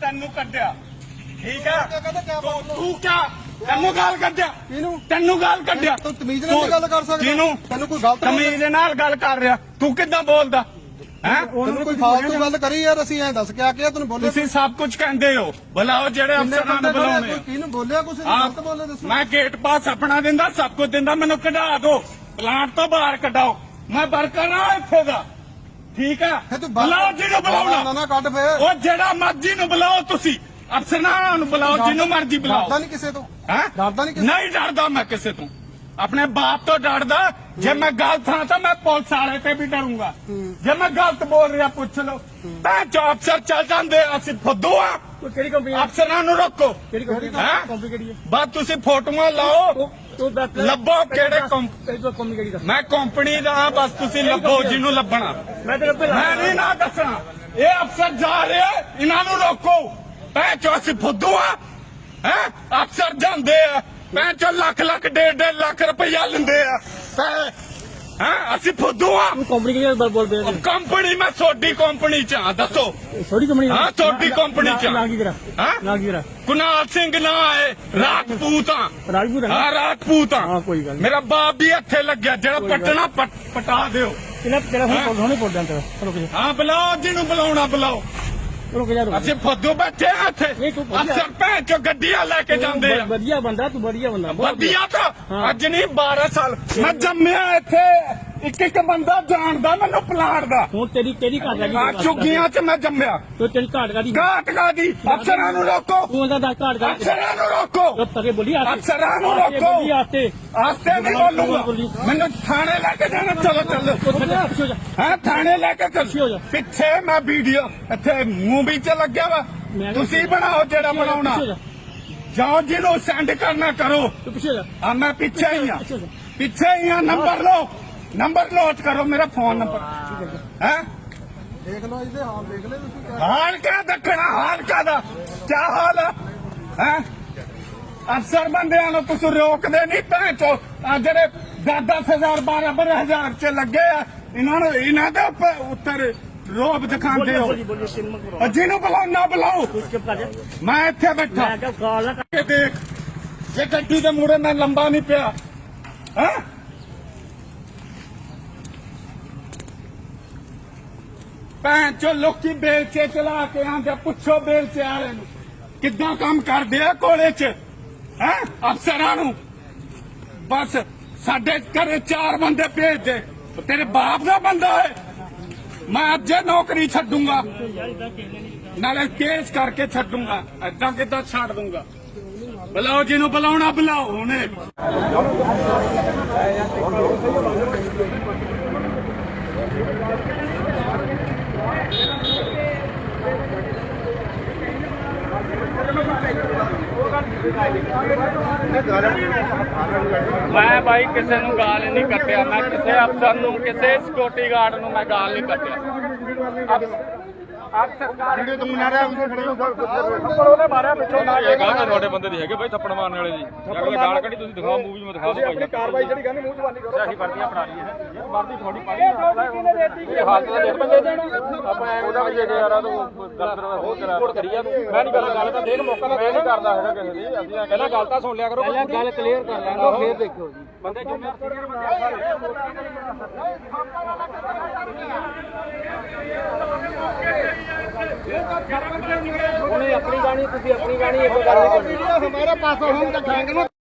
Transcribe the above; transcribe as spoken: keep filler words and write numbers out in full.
ਤੈਨੂੰ ਕੱਢਿਆ ਠੀਕ ਹੈ ਤੂੰ ਕਿਆ ਤੈਨੂੰ ਗਾਲ ਕੱਢਿਆ ਤੈਨੂੰ ਗਾਲ ਕੱਢਿਆ ਤੂੰ ਤਮੀਜ਼ ਨਾਲ ਗੱਲ ਕਰ ਸਕਦਾ ਜਿਹਨੂੰ ਤੈਨੂੰ ਕੋਈ ਗਲਤ ਤਮੀਜ਼ ਨਾਲ ਗੱਲ ਕਰ ਰਿਹਾ ਤੂੰ ਕਿੱਦਾਂ ਬੋਲਦਾ ਹੈ ਉਹਨੂੰ ਕੋਈ ਫਾਲਤੂ ਗੱਲ ਕਰੀ ਯਾਰ ਅਸੀਂ ਐਂ ਦੱਸ ਕੇ ਆ ਕੇ ਤੈਨੂੰ ਬੋਲੇ ਤੁਸੀਂ ਸਭ ਕੁਝ ਕਹਿੰਦੇ ਹੋ ਬੁਲਾਓ ਜਿਹੜੇ ਅਫਸਰਾਂ ਨੂੰ ਬੁਲਾਉਣੇ ਕਿਹਨੂੰ ਬੋਲਿਆ ਕੁਛ ਗਲਤ ਬੋਲੇ ਦੱਸੋ ਮੈਂ ਗੇਟ ਪਾਸ ਆਪਣਾ ਦਿੰਦਾ ਸਭ ਕੁਝ ਦਿੰਦਾ ਮੈਨੂੰ ਕਢਾ ਦਿਓ ਪਲਾਂਟ ਤੋਂ ਬਾਹਰ ਕੱਢਾਓ ਮੈਂ ਵਰਕਰ ਆ ਇੱਥੇ ਦਾ ਠੀਕ ਹੈ ਬੁਲਾਓ ਜਿਹਨੂੰ ਬੁਲਾਉਣਾ ਨਾ ਕੱਢ ਫੇਰ ਉਹ ਜਿਹੜਾ ਮਰਜ਼ੀ ਨੂੰ ਬੁਲਾਓ ਤੁਸੀਂ ਅਫਸਰਾਂ ਨੂੰ ਬੁਲਾਓ ਜਿਹਨੂੰ ਮਰਜ਼ੀ ਬੁਲਾਓ ਡਰਦਾ ਨਹੀਂ ਕਿਸੇ ਤੋਂ ਹੈ ਡਰਦਾ ਨਹੀਂ ਕਿਸੇ ਨਹੀਂ ਡਰਦਾ ਮੈਂ ਕਿਸੇ ਤੋਂ ਆਪਣੇ ਬਾਪ ਤੋਂ ਡਰਦਾ ਜੇ ਮੈਂ ਗਲਤ ਹਾਂ ਤਾਂ ਮੈਂ ਪੁਲਿਸ ਵਾਲੇ ਤੇ ਵੀ ਡਰੂੰਗਾ ਜੇ ਮੈਂ ਗਲਤ ਬੋਲ ਰਿਹਾ ਪੁੱਛ ਲਓ ਮੈਂ ਜੋ ਅਫਸਰ ਚੱਲ ਜਾਂਦੇ ਅਸੀਂ ਫੁੱਦੂ ਆ ਕਿਹੜੀ ਕੰਪਨੀ ਅਫਸਰਾਂ ਨੂੰ ਰੋਕੋ ਕਿਹੜੀ ਕੰਪਨੀ ਹੈਂ? ਕੰਪਨੀ ਕਿਹੜੀ ਹੈ ਬਸ ਤੁਸੀਂ ਫੋਟੋਆਂ ਲਾਓ ਤੂੰ ਦੱਸ ਲੱਭੋ ਕਿਹੜੇ ਕੰਪ- ਕੰਪਨੀ ਕਿਹੜੀ ਦੱਸ ਮੈਂ ਕੰਪਨੀ ਦਾ ਹਾਂ, ਬਸ ਤੁਸੀਂ ਲੱਭੋ ਜਿਹਨੂੰ ਲੱਭਣਾ ਮੈਂ ਤੇਰੇ ਪਹਿਲਾਂ ਮੈਂ ਨਹੀਂ ਨਾ ਦੱਸਣਾ ਇਹ ਅਫਸਰ ਜਾ ਰਿਹਾ ਇਹਨਾਂ ਨੂੰ ਰੋਕੋ ਭੈਣ ਚੋ ਅਸੀਂ ਫੁੱਦੂ ਆ ਹੈ ਅਫਸਰ ਜਾਂਦੇ ਆ ਭੈਣ ਚੋ ਲੱਖ ਲੱਖ ਡੇਢ ਡੇਢ ਲੱਖ ਰੁਪਇਆ ਲੈਂਦੇ ਆ ਹੈ ਅਸੀਂ ਫੁੱਦੂ ਆ ਤੂੰ ਕੰਪਨੀ ਕਿਹੜੀ ਬੋਲ ਬੋਲ ਰਿਹਾ ਕੰਪਨੀ ਮੈਂ ਛੋਟੀ ਕੰਪਨੀ ਚ ਆ ਦੱਸੋ ਛੋਟੀ ਕੰਪਨੀ ਹਾਂ ਛੋਟੀ ਕੰਪਨੀ ਚ ਨਾ ਕੀ ਕਰਾ ਹਾਂ ਨਾ ਕੀ ਕਰਾ ਕੁਨਾਲ ਸਿੰਘ ਨਾ ਹੈ ਰਾਜਪੂਤ ਆ ਰਾਜਪੂਤ ਹੈ ਹਾਂ ਰਾਜਪੂਤ ਆ ਹਾਂ ਕੋਈ ਗੱਲ ਨਹੀਂ ਮੇਰਾ ਬਾਪ ਵੀ ਇੱਥੇ ਲੱਗਿਆ ਜਿਹੜਾ ਪਟਣਾ ਪਟ- ਪਟਾ ਦਿਓ ਕਿਹਨਾਂ ਤੇਰਾ ਫੋਨ ਹੁਣੇ ਪੋੜ ਜਾਂਦਾ ਚਲੋ ਕਿ ਹਾਂ ਬੁਲਾਓ ਜਿਹਨੂੰ ਬੁਲਾਉਣਾ ਬੁਲਾਓ ਚਲੋ ਕਿ ਯਾਰ ਅਸੀਂ ਫੁੱਦੂ ਬੈਠੇ ਆ ਇੱਥੇ ਨਹੀਂ, ਤੂੰ ਵਧੀਆ- ਅਫਸਰ ਭੈਣ ਚੋ ਗੱਡੀਆਂ ਲੈ ਕੇ ਜਾਂਦੇ ਆ ਵਧੀਆ ਬੰਦਾ ਤੂੰ ਵਧੀਆ ਬੰਦਾ ਵਧੀਆ ਤਾਂ ਅੱਜ ਨਹੀਂ ਬਾਰਾਂ ਸਾਲ ਮੈਂ ਜੰਮਿਆ ਇੱਥੇ ਇੱਕ ਇੱਕ ਬੰਦਾ ਜਾਣਦਾ ਮੈਨੂੰ ਪਲਾਟ ਦਾ ਹੁਣ ਤੇਰੀ ਤੇਰੀ ਘਾਟ ਲੱਗੀ ਆ ਚੁੱਗੀਆਂ ਚ ਮੈਂ ਜੰਮਿਆ ਤੂੰ ਤੇਰੀ ਘਾਟ ਕਾਦੀ ਘਾਟ ਕਾਦੀ ਅਫਸਰਾਂ ਨੂੰ ਰੋਕੋ ਤੂੰ ਉਹਦਾ ਦੱਸ ਘਾਟ ਕਾਦੀ ਅਫਸਰਾਂ ਨੂੰ ਰੋਕੋ ਜਦ ਤੱਕ ਬੋਲੀ ਆਤੇ ਅਫਸਰਾਂ ਨੂੰ ਰੋਕੋ ਬੋਲੀ ਆਤੇ ਆਸਤੇ ਨਹੀਂ ਬੋਲੂਗਾ ਮੈਨੂੰ ਥਾਣੇ ਲੈ ਕੇ ਜਾਣਾ ਚਲੋ ਚੱਲੋ ਪਿੱਛੇ ਹੋ ਜਾ ਹਾਂ ਥਾਣੇ ਲੈ ਕੇ ਪਿੱਛੇ ਹੋ ਚੱਲ ਜਾ। ਪਿੱਛੇ ਮੈਂ ਵੀਡੀਓ ਇੱਥੇ ਮੂਵੀ ਚ ਲੱਗਿਆ ਵਾ ਮੈਂ- ਤੁਸੀਂ ਬਣਾਓ ਜਿਹੜਾ ਬਣਾਉਣਾ ਪਿੱਛੇ ਹੋ ਜਾ ਜਾਓ ਜਿਹਨੂੰ ਸੈਂਡ ਕਰਨਾ ਕਰੋ ਤੂੰ ਪਿੱਛੇ ਹੋ ਜਾ ਆ ਮੈਂ ਪਿੱਛੇ ਹੀ ਆ ਪਿੱਛੇ ਹੋ ਜਾ ਪਿੱਛੇ ਹੀ ਆ ਨੰਬਰ ਲਓ ਨੰਬਰ ਨੋਟ ਕਰੋ ਮੇਰਾ ਫੋਨ ਨੰਬਰ ਹੈ ਦੇਖ ਲਓ ਇਹਦੇ ਹਾਲ ਦੇਖ ਲੈ ਤੁਸੀਂ ਕਿਆ ਹਾਲ ਕਿਆ ਦੱਖਣਾ ਹਾਲ ਕਾਦਾ ਕਿਆ ਹਾਲ ਹੈ ਅਫਸਰ ਬੰਦਿਆਂ ਨੂੰ ਤੁਸੀਂ ਰੋਕਦੇ ਨਹੀਂ ਭੈਣ ਚੋ ਆ ਜਿਹੜੇ ਦਸ ਦਸ ਹਜ਼ਾਰ ਬਾਰਾਂ ਬਾਰਾਂ ਹਜ਼ਾਰ ਚ ਲੱਗੇ ਆ ਇਹਨਾਂ ਨੂੰ ਇਹਨਾਂ ਦੇ ਉੱਪਰ ਉੱਤਰ ਰੋਬ ਦਿਖਾਉਂਦੇ ਹੋ ਬੋਲੀ ਬੋਲੀ ਸਿਨਮਾ ਕਰੋ ਉਹ ਜਿਹਨੂੰ ਬੁਲਾਓ ਨਾ ਬੁਲਾਓ ਚੁੱਪ ਕਰ ਜਾ ਮੈਂ ਇੱਥੇ ਬੈਠਾ ਮੈਂ ਕਿਹਾ ਗਾਲ ਨਾ ਇਹ ਦੇਖ ਇਹ ਗੱਡੀ ਦੇ ਮੂਹਰੇ ਮੈਂ ਲੰਬਾ ਨਹੀਂ ਪਿਆ ਹੈ ਭੈਣ ਚੋ ਲੋਕੀ ਬੇਲਚੇ ਚਲਾ ਕੇ ਆਂਦੇ ਪੁੱਛੋ ਬੇਲਚੇ ਵਾਲੇ ਨੂੰ ਕਿੱਦਾਂ ਕੰਮ ਕਰਦੇ ਆ ਕੋਲੇ ਚ ਹੈ ਅਫਸਰਾਂ ਨੂੰ ਬਸ ਸਾਡੇ ਘਰੇ ਚਾਰ ਬੰਦੇ ਭੇਜ ਦੇ ਤੇਰੇ ਬਾਪ ਦਾ ਬੰਦਾ ਹੈ ਮੈਂ ਅੱਜ ਇਹ ਨੌਕਰੀ ਛੱਡੂੰਗਾ ਨਾਲੇ ਕੇਸ ਕਰਕੇ ਛੱਡੂੰਗਾ ਏਦਾਂ ਕਿੱਦਾਂ ਛੱਡ ਦੂੰਗਾ ਬੁਲਾਓ ਜਿਹਨੂੰ ਬੁਲਾਉਣਾ ਬੁਲਾਓ ਹੁਣੇ ਮੈਂ ਭਾਈ ਕਿਸੇ ਨੂੰ ਗਾਲ ਨਹੀਂ ਕੱਟਿਆ ਮੈਂ ਕਿਸੇ ਅਫਸਰ ਨੂੰ ਕਿਸੇ ਸਿਕਿਉਰਿਟੀ ਗਾਰਡ ਨੂੰ ਮੈਂ ਗਾਲ ਨਹੀਂ ਕੱਟਿਆ ਆਪ ਸਰਕਾਰ ਵੀਡੀਓ ਤੁਮ ਨਾ ਰਿਹਾ ਖੜੇ ਹੋ ਥੱਪੜ ਉਹਨੇ ਮਾਰਿਆ ਪਿੱਛੋਂ ਨਾ ਇਹ ਗਾਲ ਤੁਹਾਡੇ ਬੰਦੇ ਦੀ ਹੈਗੇ ਬਾਈ ਥੱਪੜ ਮਾਰਨ ਵਾਲੇ ਦੀ ਅਗਲੇ ਗਾਲ ਕੱਢੀ ਤੁਸੀਂ ਦਿਖਾਓ ਮੂਵੀ ਮੈਂ ਦਿਖਾ ਦਿਓ ਭਾਈ ਕਾਰਵਾਈ ਜਿਹੜੀ ਕਹਿੰਦੇ ਮੂੰਹ ਜ਼ਬਾਨੀ ਕਰੋ ਅਸੀਂ ਵਰਦੀਆਂ ਬਣਾ ਲਈ ਹੈ ਵਰਦੀ ਥੋੜੀ ਪਾਣੀ ਇਹ ਹਾਲਤ ਦਾ ਦੇਖ ਬੰਦੇ ਦੇਣਾ ਆਪਾਂ ਉਹਦਾ ਵੀ ਜੇ ਯਾਰ ਤੂੰ ਦਰਦ ਹੋਰ ਕਰਾ ਕਰੀ ਜਾ ਤੂੰ ਮੈਂ ਨਹੀਂ ਕਰਦਾ ਗੱਲ ਤਾਂ ਦੇਖ ਮੌਕਾ ਮੈਂ ਨਹੀਂ ਕਰਦਾ ਹੈਗਾ ਕਿਸੇ ਦੀ ਅਸੀਂ ਪਹਿਲਾਂ ਗੱਲ ਤਾਂ ਸੁਣ ਲਿਆ ਕਰੋ ਪਹਿਲਾਂ ਗੱਲ ਕਲੀਅਰ ਕਰ ਲੈਣਾ ਫੇਰ ਦੇਖੋ ਜੀ ਬੰਦੇ ਜਿੰਨੇ ਉਹਨੇ ਆਪਣੀ ਗਾਣੀ ਤੁਸੀਂ ਆਪਣੀ ਗਾਣੀ ਇੱਕ ਗੱਲ ਨਹੀਂ ਕਰਨੀ हमारे पास हम दिखाएंगे ना